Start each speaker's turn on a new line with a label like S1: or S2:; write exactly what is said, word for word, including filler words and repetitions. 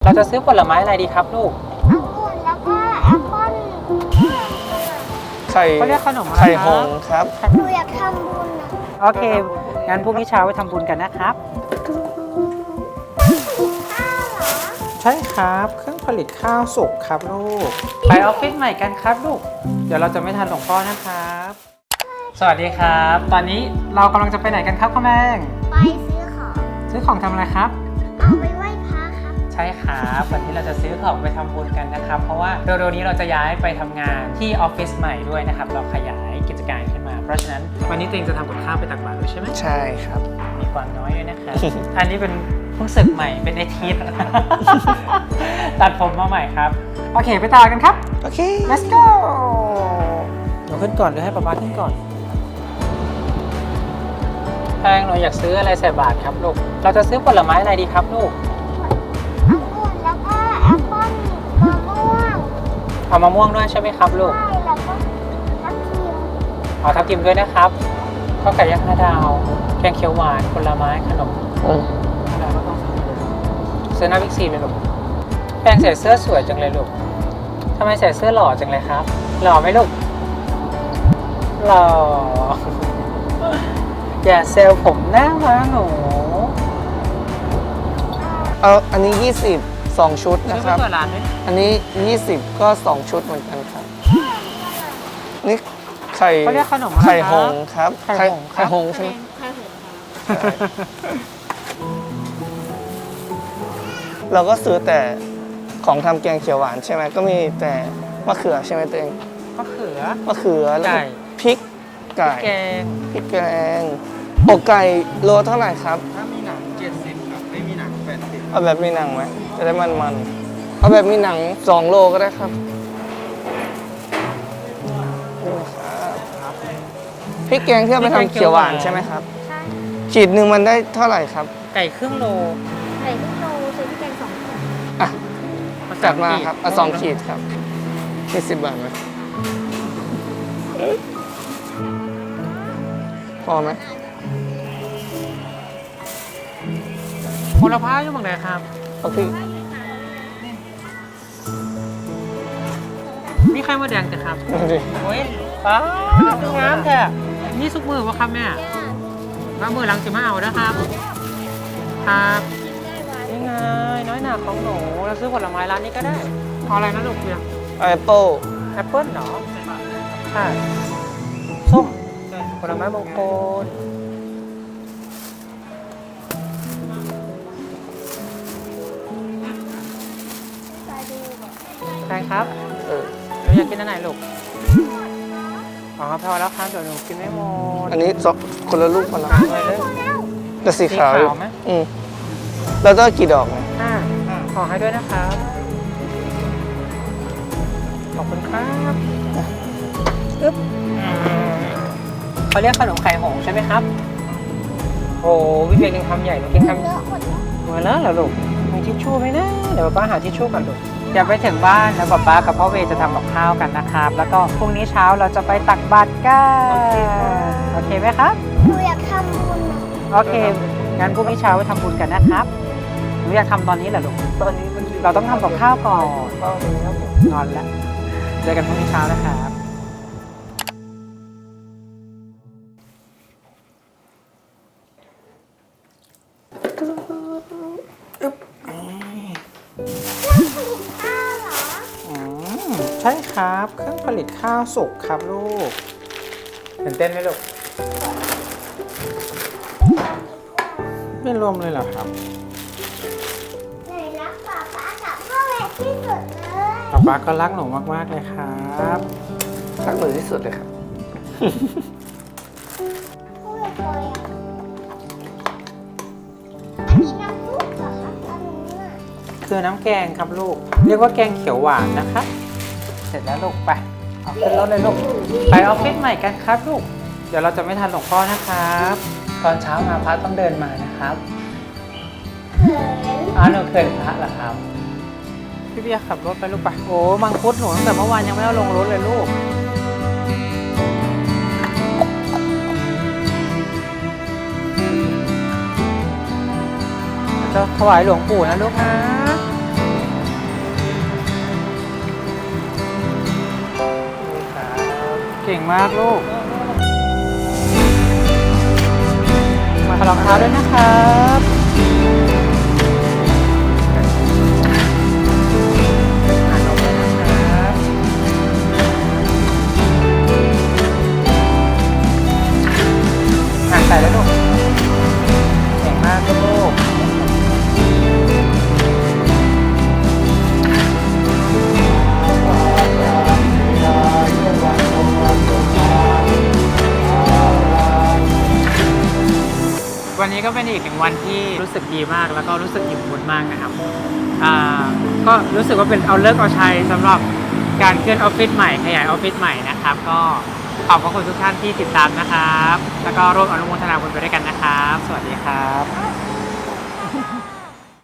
S1: เราจะซื้อผลไม้อะไรดีครับลูก
S2: องุ่นแล้วก็แอปเปิ้ล
S3: ไข่
S1: เขาเรียกขนมอะไร
S3: ไข่หงส์ครับ
S2: หนูอยากทำบุญนะ
S1: โอเคงั้นพรุ่งนี้เช้าไปทำบุญกันนะครับใช่ครับเครื่องผลิตข้าวสุกครับลูกไปออฟฟิศใหม่กันครับลูกเดี๋ยวเราจะไม่ทันหลวงพ่อนะครับสวัสดีครับ ตอนนี้เรากำลังจะไปไหนกันครับข้าวแมง
S2: ไปซื้อของ
S1: ซื้อของทำอะไรครับ
S2: เอาไปไหว้พระครับ
S1: ใช่ครับวันนี้เราจะซื้อของไปทำบุญกันนะครับเพราะว่าเร็วๆนี้เราจะย้ายไปทำงานที่ออฟฟิศใหม่ด้วยนะครับเราขยายกิจการขึ้นมาเพราะฉะนั้นวันนี้ตัวเองจะทำกับข้าวไปตักบาตรด้วยใช่ไหม
S3: ใช่ครับ
S1: มีความน้อยด้วยนะครับ อันนี้เป็นเพิ่งศึกใหม่เป็นไอทีส ตัดผมมาใหม่ครับโอเคไปต่อกันครับ
S3: โอเค
S1: let's go หนูขึ้นก่อนหรือให้ป๊าป๊าขึ้นก่อนแพงหนูอยากซื้ออะไรใส่บาตรครับลูกเราจะซื้อผลไม้อะไรดีครับลูก
S2: องุ่นแล้วก็แอปเปิ้ลมะม่วง
S1: เอามะม่วงด้วยใช่ไหมครับลูก
S2: ใช่แล้วก็ทับทิม
S1: เอาทับทิมด้วยนะครับข้าวไก่ย่างห้าดาวแกงเขียวหวานผลไม้ขนม
S3: อืม
S1: ซื้อหน้าบิ๊กซีเลยลูกแพงใส่เสื้อสวยจังเลยลูกทำไมใส่เสื้อหล่อจังเลยครับหล่อไหมลูกหล่อ อย่าเซลผมหน้ามาหนู
S3: เอาอันนี้ยี่สิบ สองชุด
S1: ซื้
S3: นะ
S1: อ
S3: ค
S1: ไป
S3: รับ
S1: เปิดร้านด้วย
S3: อันนี้ยี่สิบก็สองชุดเหมือนกันครับนี่ไข่
S1: เขาเรียกขนมอะไร
S3: ไข่ห
S1: ครั
S3: ง
S1: บ
S3: ส์ครับ
S1: ไข่หงส์ครับ
S3: ไข่หงส์ใช่ไหมเราก็ซื้อแต่ของทำแกงเขียวหวานใช่ไหมก็มีแต่มะเขือใช่ไหมตัวเอง
S1: มะเขือ
S3: มะเขือแล้ว
S1: ไก่
S3: ก็พริกไก่
S1: แกง
S3: พริกแกงอกไก่โลเท่าไหร่ครับ
S1: ถ้ามีหนังเจ็ดสิบครับไม่มีหนังแปดสิบ
S3: เอาแบบมีหนังไหมจะได้มันมันๆเอาแบบมีหนังสองโลก็ได้ครับนี่ครับพริกแกงที่เอาไปทำเขียวหวานใช่ไหมครับ
S2: ใช่
S3: ขีดหนึ่งมันได้เท่าไหร่ครับ
S1: ไก่ครึ่งโล
S2: ใส่ลูกโลซื้อพริกแกงสองถุง
S3: อ่ะจัดมาครับเอาสองขีดครับมีสิบบาทไหมพอไหม
S1: ผลไม้อยู่บางไหนครับ
S3: เอาพี่
S1: มีไข่มดแดงจ้ะครับ
S3: ดูดิ
S1: โอ้ยป้าดูงามแท้นี่ซุกมือวะครับแม่ว่ามือหลังจะมาเอานะครับครับนี่ไงน้อยหนาของหนูเราซื้อผลไม้ร้านนี้ก็ได้เอาอะไรนะลูกเพียง
S3: แอปเปิล
S1: แอปเปิ้ลเหรอใช่ส้มผลไม้มงคลใช่ครับ
S3: เออ
S1: หนูอยากกินอันไหนลูกอ๋อพอแล้วครับเดี๋ยวหนูกินไม่หมด
S3: อันนี้สองคนละลูกคนละ
S1: ไปเลย
S3: แต่สีขาวอยู่
S1: สีขาวไหม
S3: อืมแล้วต้องกี่ดอกเนี่ย
S1: อ่าขอให้ด้วยนะครับขอบคุณครับอึ๊บเขาเรียกขนมไข่หงส์ใช่ไหมครับโอ้วิเวียนกินคำใหญ่หนูกินคำ
S2: เลอะหมดแล้ว
S1: หมดแล้วเหรอลูกมีทิชชู่ไหมนะเดี๋ยวป้าหาทิชชู่ก่อนลูกเดี๋ยวไปถึงบ้านแล้วป้ากับพ่อเวจะทำกับข้าวกันนะครับ แล้วก็พรุ่งนี้เช้าเราจะไปตักบาตรกันโอเคไหมครับ
S2: หนูอยากทำบุญนะ
S1: โอเคงั้นพรุ่งนี้เช้าไปทำบุญกันนะครับหนูอยากทำตอนนี้เหรอลูกตอนนี้เราต้องทำกับข้าวก่อนนอนแล้วเจอกันพรุ่งนี้เช้านะครับใช่ครับเครื่องผลิตข้าวสุกครับลูกตื่นเต้นไหมลูกไม่รวมเลยเหรอครับ
S2: ไหนรักป๊าป๊ากับพ่อแม่ที่สุดเลย
S1: ป๊าป๊าก็รักหนูมากๆเลยครับ
S3: รักหนูที่สุดเลยครับ
S2: พูดเลยอ่ะอันนี้น้ำซุปเหรอครับอันนี้อ่ะ
S1: คือน้ำแกงครับลูก เรียกว่าแกงเขียวหวานนะคะเสร็จแล้วลูกไปเอาขึ้นรถเลยลูกไปออฟฟิศใหม่กันครับลูกเดี๋ยวเราจะไม่ทันหลวงพ่อนะครับตอนเช้ามาพระต้องเดินมานะครับ
S2: เขิน
S1: อ้าวหนูเคยพระเหรอครับพี่เบียร์ขับรถไปลูกไปโอ้มังคุดหนูตั้งแต่เมื่อวานยังไม่เอาลงรถเลยลูกจะถวายหลวงปู่นะลูกนะมากลูกมาถอดรองเท้าด้วยนะครับอ่านนมด้วยนะครับอ่านใส่แล้วลูกเก่งมากลูกวันนี้ก็เป็นอีกหนึ่งวันที่รู้สึกดีมากแล้วก็รู้สึกอิ่มบุญมากนะครับอ่าก็รู้สึกว่าเป็นเอาเลิกเอาชัยสำหรับการเคลื่อนออฟฟิศใหม่ขยายออฟฟิศใหม่นะครับก็ขอบพระคุณทุกท่านที่ติดตามนะครับแล้วก็ร่วมอนุโมทนาบุญไปด้วยกันนะครับสวัสดีครับ